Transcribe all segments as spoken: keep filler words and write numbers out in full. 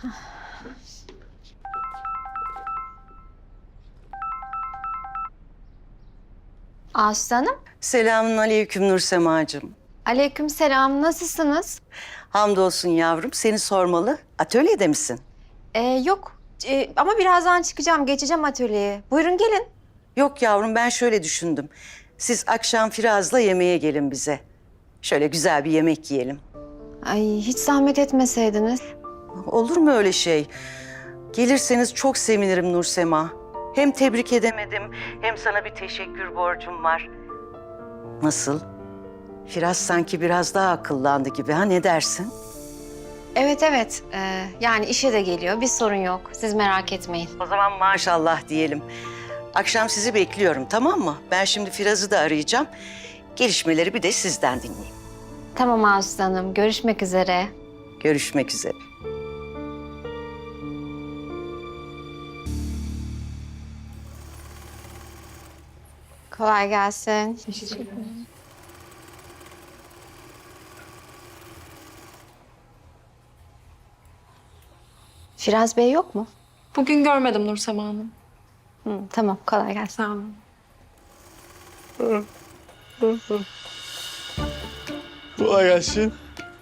Aslı Hanım. Selamun aleyküm Nursemacığım. Aleyküm selam. Nasılsınız? Hamdolsun yavrum. Seni sormalı. Atölyede misin? Ee, yok Ee, ama birazdan çıkacağım. Geçeceğim atölyeye. Buyurun gelin. Yok yavrum, ben şöyle düşündüm. Siz akşam Firaz'la yemeğe gelin bize. Şöyle güzel bir yemek yiyelim. Ay hiç zahmet etmeseydiniz. Olur mu öyle şey? Gelirseniz çok sevinirim Nursema. Hem tebrik edemedim, hem sana bir teşekkür borcum var. Nasıl? Firaz sanki biraz daha akıllandı gibi, ha, ne dersin? Evet evet. Ee, yani işe de geliyor. Bir sorun yok. Siz merak etmeyin. O zaman maşallah diyelim. Akşam sizi bekliyorum, tamam mı? Ben şimdi Firaz'ı da arayacağım. Gelişmeleri bir de sizden dinleyeyim. Tamam Aslı Hanım. Görüşmek üzere. Görüşmek üzere. Kolay gelsin. Firaz Bey yok mu? Bugün görmedim Nursema Hanım. Hı, tamam kolay gelsin. Sağ olun. Kolay gelsin.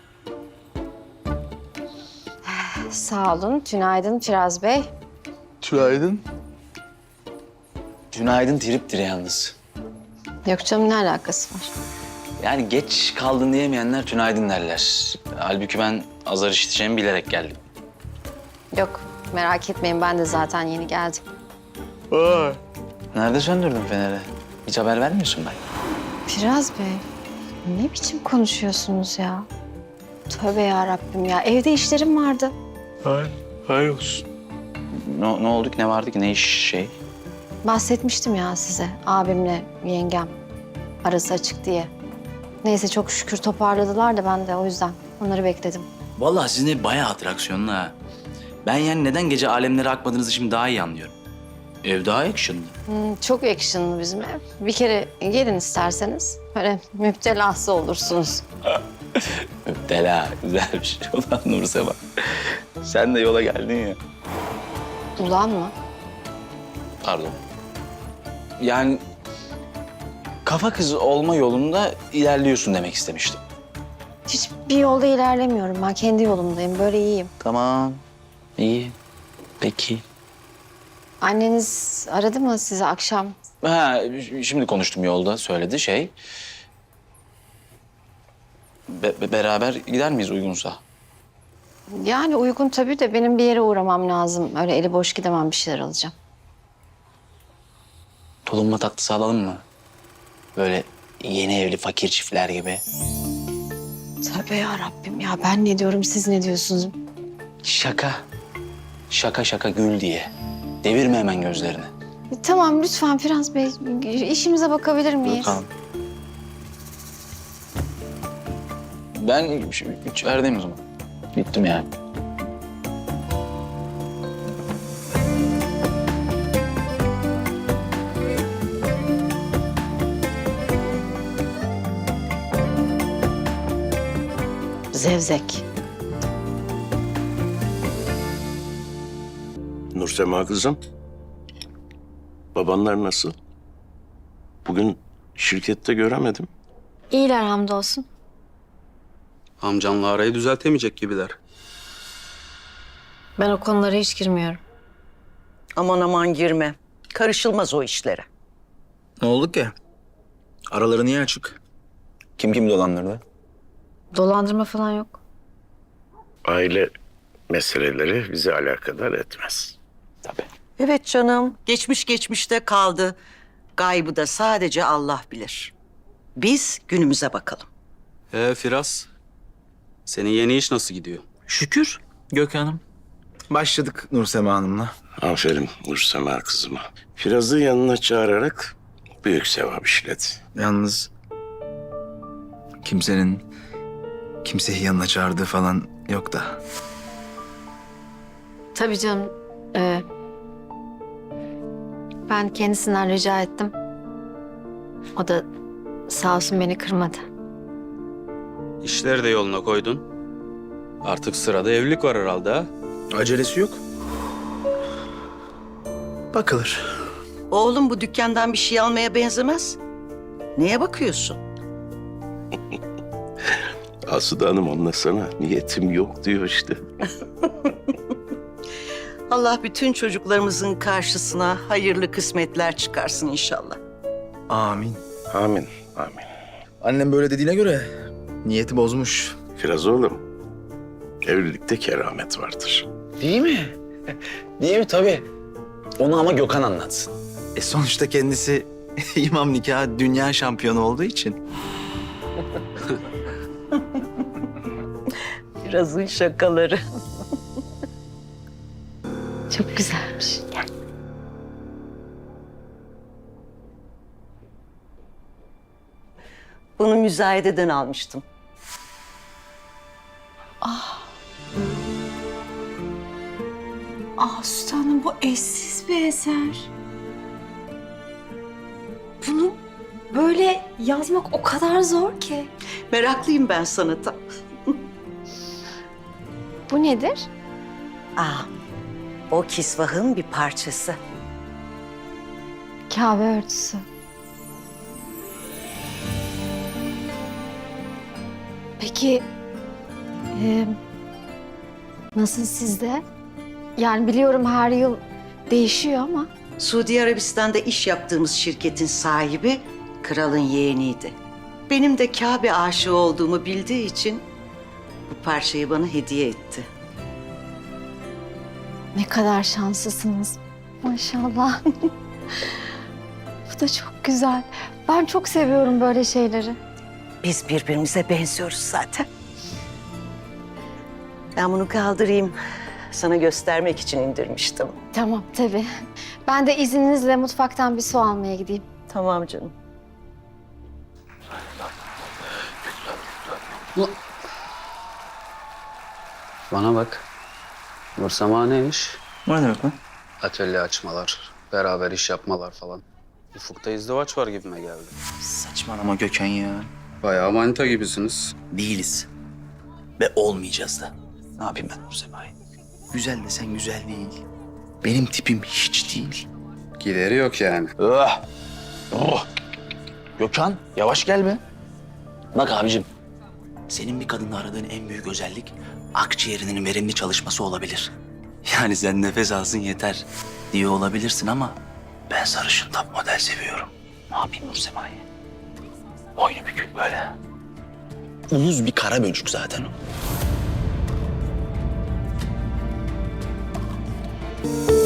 Sağ olun. Tünaydın Firaz Bey. Tülaydın. Günaydın triptir yalnız. Yok canım ne alakası var? Yani geç kaldın diyemeyenler tünaydın derler. Halbuki ben azar işiteceğimi bilerek geldim. Yok merak etmeyin ben de zaten yeni geldim. Vay. Nerede söndürdün feneri? Hiç haber vermiyorsun ben. Firaz Bey ne biçim konuşuyorsunuz ya? Tövbe ya Rabbim ya evde işlerim vardı. Hay, hay olsun. Ne, ne oldu ki, ne vardı ki, ne iş şey? Bahsetmiştim ya size abimle yengem arası açık diye. Neyse çok şükür toparladılar da ben de o yüzden onları bekledim. Vallahi sizin ev bayağı atraksiyonlu ha. Ben yani neden gece alemlere akmadığınızı şimdi daha iyi anlıyorum. Ev daha actionlı. Hmm, çok actionlı bizim ev. Bir kere gelin isterseniz böyle müptelası olursunuz. Müptela, güzelmiş. Ulan Nursema. Sen de yola geldin ya. Ulan mı? Pardon. Yani kafa kızı olma yolunda ilerliyorsun demek istemiştim. Hiçbir yolda ilerlemiyorum ben kendi yolumdayım böyle iyiyim. Tamam. İyi. Peki. Anneniz aradı mı sizi akşam? Ha, şimdi konuştum yolda, söyledi şey. Be- be- beraber gider miyiz uygunsa? Yani uygun tabii de benim bir yere uğramam lazım. Öyle eli boş gidemem bir şeyler alacağım. Tulumba tatlısı alalım mı? Böyle yeni evli fakir çiftler gibi. Tövbe ya Rabbim ya ben ne diyorum siz ne diyorsunuz? Şaka. Şaka şaka gül diye. Devirme hemen gözlerini. E, tamam lütfen Firaz Bey işimize bakabilir miyiz? Tamam. Ben içerideyim o zaman. Gittim yani. Zevzek. Nursema kızım, babanlar nasıl? Bugün şirkette göremedim. İyiler hamdolsun. Amcanla arayı düzeltemeyecek gibiler. Ben o konulara hiç girmiyorum. Aman aman girme. Karışılmaz o işlere. Ne oldu ki? Araları niye açık? Kim kim dolandırdı? Dolandırma falan yok. Aile meseleleri bizi alakadar etmez. Tabii. Evet canım, geçmiş geçmişte kaldı. Gaybı da sadece Allah bilir. Biz günümüze bakalım. Ee Firaz, senin yeni iş nasıl gidiyor? Şükür Gökhan'ım. Başladık Nursema Hanım'la. Aferin Nursema kızıma. Firaz'ı yanına çağırarak büyük sevap işledi. Yalnız kimsenin kimseyi yanına çağırdığı falan yok da. Tabii canım. Ee, ben kendisinden rica ettim. O da sağ olsun beni kırmadı. İşleri de yoluna koydun. Artık sırada evlilik var herhalde ha? Acelesi yok. Bakılır. Oğlum bu dükkandan bir şey almaya benzemez. Neye bakıyorsun? Asude Hanım onunla sana niyetim yok diyor işte. Allah bütün çocuklarımızın karşısına hayırlı kısmetler çıkarsın inşallah. Amin. Amin, amin. Annem böyle dediğine göre niyeti bozmuş. Firaz oğlum, evlilikte keramet vardır. Değil mi? Değil mi? Tabii. Onu ama Gökhan anlatsın. E sonuçta kendisi imam nikahı dünya şampiyonu olduğu için. Birazın şakaları. Çok güzelmiş. Bunu müzayededen almıştım. Ah sultanım bu eşsiz bir eser. Bunu böyle yazmak o kadar zor ki. Meraklıyım ben sanata. Bu nedir? Aa, o kisvahın bir parçası. Kabe örtüsü. Peki e, nasıl sizde? Yani biliyorum her yıl değişiyor ama Suudi Arabistan'da iş yaptığımız şirketin sahibi kralın yeğeniydi. Benim de Kabe aşığı olduğumu bildiği için bu parçayı bana hediye etti. ne kadar şanslısınız. Maşallah. Bu da çok güzel. Ben çok seviyorum böyle şeyleri. Biz birbirimize benziyoruz zaten. Ben bunu kaldırayım. Sana göstermek için indirmiştim. Tamam tabii. Ben de izninizle mutfaktan bir su almaya gideyim. Tamam canım. Bana bak. Nursema neymiş? O ne demek lan? Atölye açmalar, beraber iş yapmalar falan. Ufukta izdivaç var gibime geldi. Saçmalama Gökhan ya. Bayağı manita gibisiniz. Değiliz. Ve olmayacağız da. Ne yapayım ben Nursema'yı? Güzel desen güzel değil. Benim tipim hiç değil. Gideri yok yani. Oh. Oh. Gökhan yavaş gel be. Bak abicim. Senin bir kadında aradığın en büyük özellik akciğerinin verimli çalışması olabilir. Yani sen nefes alsın yeter diyor olabilirsin ama ben sarışın top model seviyorum. Ne yapayım Nursema'yı? Boynu bükük böyle. Uyuz bir kara böcük zaten o.